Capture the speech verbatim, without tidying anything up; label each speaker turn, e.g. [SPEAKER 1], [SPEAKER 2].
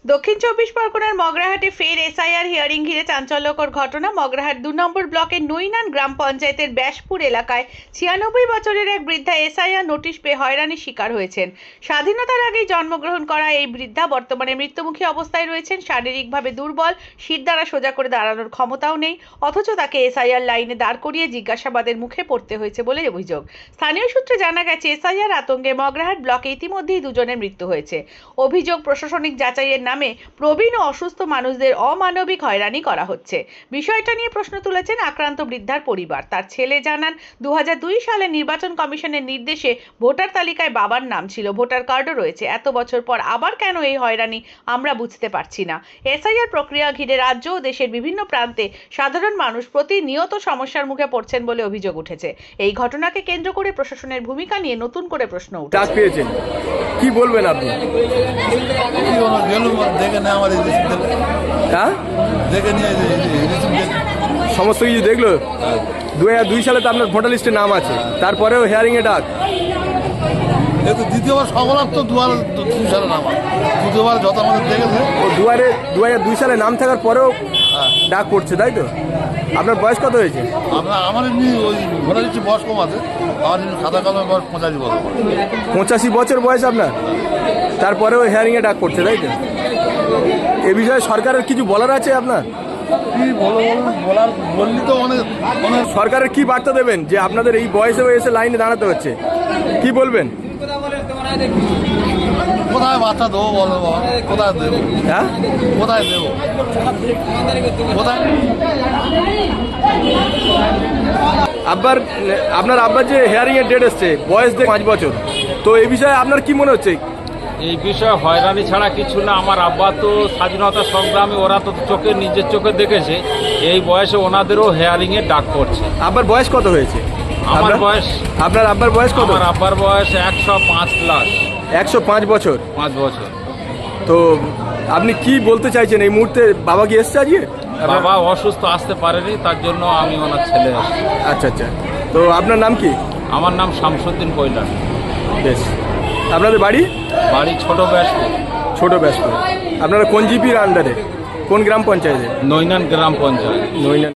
[SPEAKER 1] দক্ষিণ চব্বিশ পরগনার মগরাহাটে ফের এসআইআর হিয়ারিং ঘিরে চাঞ্চল্যকর ঘটনা। মগরাহাট দু নম্বর ব্লকের নৈনান গ্রাম পঞ্চায়েতের ব্যাসপুর এলাকায় ছিয়ানব্বই বছরের এক বৃদ্ধা এসআইআর নোটিশ পেয়ে হয়রানির শিকার হয়েছেন। স্বাধীনতার আগেই জন্মগ্রহণ করা এই বৃদ্ধা বর্তমানে মৃত্যুমুখী অবস্থায় রয়েছেন। শারীরিকভাবে দুর্বল, শির দ্বারা সোজা করে দাঁড়ানোর ক্ষমতাও নেই, অথচ তাকে এসআইআর লাইনে দাঁড় করিয়ে জিজ্ঞাসাবাদের মুখে পড়তে হয়েছে বলে অভিযোগ। স্থানীয় সূত্রে জানা গেছে, এসআইআর আতঙ্কে মগরাহাট ব্লকে ইতিমধ্যেই দুজনের মৃত্যু হয়েছে। অভিযোগ, প্রশাসনিক যাচাইয়ের নামে প্রবীণ ও অসুস্থ মানুষদের অমানবিক হয়রানি করা হচ্ছে। বিষয়টা নিয়ে প্রশ্ন তুলেছেন আক্রান্ত বৃদ্ধার পরিবার। তার ছেলে জানান, দু হাজার দুই সালে নির্বাচন কমিশনের নির্দেশে ভোটার তালিকায় বাবার নাম ছিল, ভোটার কার্ডও রয়েছে। এত বছর পর আবার কেন এই হয়রানি আমরা বুঝতে পারছি না। এসআইআর প্রক্রিয়া ঘিরে রাজ্য ও দেশের বিভিন্ন প্রান্তে সাধারণ মানুষ প্রতিনিয়ত সমস্যার মুখে পড়ছেন বলে অভিযোগ উঠেছে। এই ঘটনাকে কেন্দ্র করে প্রশাসনের ভূমিকা নিয়ে নতুন করে প্রশ্ন উঠেছে।
[SPEAKER 2] কি বলবেন আপনি? সমস্ত কিছু দেখলো। দু হাজার দুই সালে তো আপনার ভোটার লিস্টে নাম আছে, তারপরেও হেয়ারিং এ ডাক।
[SPEAKER 3] দ্বিতীয়বার সকলার তো দু হাজার দুই সালে নাম আছে, দ্বিতীয়বার যত আমাদের দেখেছে
[SPEAKER 2] দু হাজার দু হাজার দুই সালে নাম থাকার পরেও ডাক পড়ছে, তাই তো? আপনার বয়স কত হয়েছে?
[SPEAKER 3] আপনার আমার এমনি ওই ভোটার লিস্টে বয়স কম আছে, আমার এমনি খাতা কলমের বয়স পঁচাশি বছর।
[SPEAKER 2] পঁচাশি বছর বয়স আপনার, তারপরেও হেয়ারিং এ ডাক পড়ছে, তাই তো? এ বিষয়ে সরকারের কিছু বলার আছে আপনার?
[SPEAKER 3] কি বলো বলার বললি তো অনেক অনেক
[SPEAKER 2] সরকারের কি বার্তা দেবেন যে আপনাদের এই বয়সে এসে লাইনে দাঁড়াতে হচ্ছে? কি বলবেন?
[SPEAKER 3] কোথায় বাচ্চা দেবো বলো, কোথায় দেবো?
[SPEAKER 2] হ্যাঁ,
[SPEAKER 3] কোথায় দেবো? কোথায়?
[SPEAKER 2] আব্বার আপনার আব্বার যে হেয়ারিং এর ডেট এসছে, বয়স দেখে পাঁচ বছর, তো এই বিষয়ে আপনার কি মনে হচ্ছে?
[SPEAKER 4] এই বিষয়ে হয়রানি ছাড়া কিছু না। আমার আব্বা তো স্বাধীনতা সংগ্রামে, ওরা তো চোখে নিজের চোখে দেখেছে। এই বয়সে ওনাদেরও হেয়ারিং এর ডাক পড়ছে।
[SPEAKER 2] আব্বার বয়স কত হয়েছে?
[SPEAKER 4] আমার বয়স,
[SPEAKER 2] আপনার আব্বার বয়স কত?
[SPEAKER 4] আমার আব্বার বয়স একশো পাঁচ প্লাস,
[SPEAKER 2] একশো পাঁচ বছর।
[SPEAKER 4] পাঁচ বছর।
[SPEAKER 2] তো আপনি কি বলতে চাইছেন এই মুহূর্তে? বাবা কি এসছে আজকে?
[SPEAKER 4] বাবা অসুস্থ, আসতে পারেনি, তার জন্য আমি ওনার ছেলে আসছি।
[SPEAKER 2] আচ্ছা আচ্ছা। তো আপনার নাম কি?
[SPEAKER 4] আমার নাম শামসুদ্দিন কৈলাস।
[SPEAKER 2] বেশ। আপনাদের বাড়ি?
[SPEAKER 4] বাড়ি ছোট ব্যাসপুর।
[SPEAKER 2] ছোট ব্যাসপুর। আপনারা কোন জিপির আন্ডারে, কোন গ্রাম পঞ্চায়েতে?
[SPEAKER 4] নৈনান গ্রাম পঞ্চায়েত।
[SPEAKER 2] নৈনান।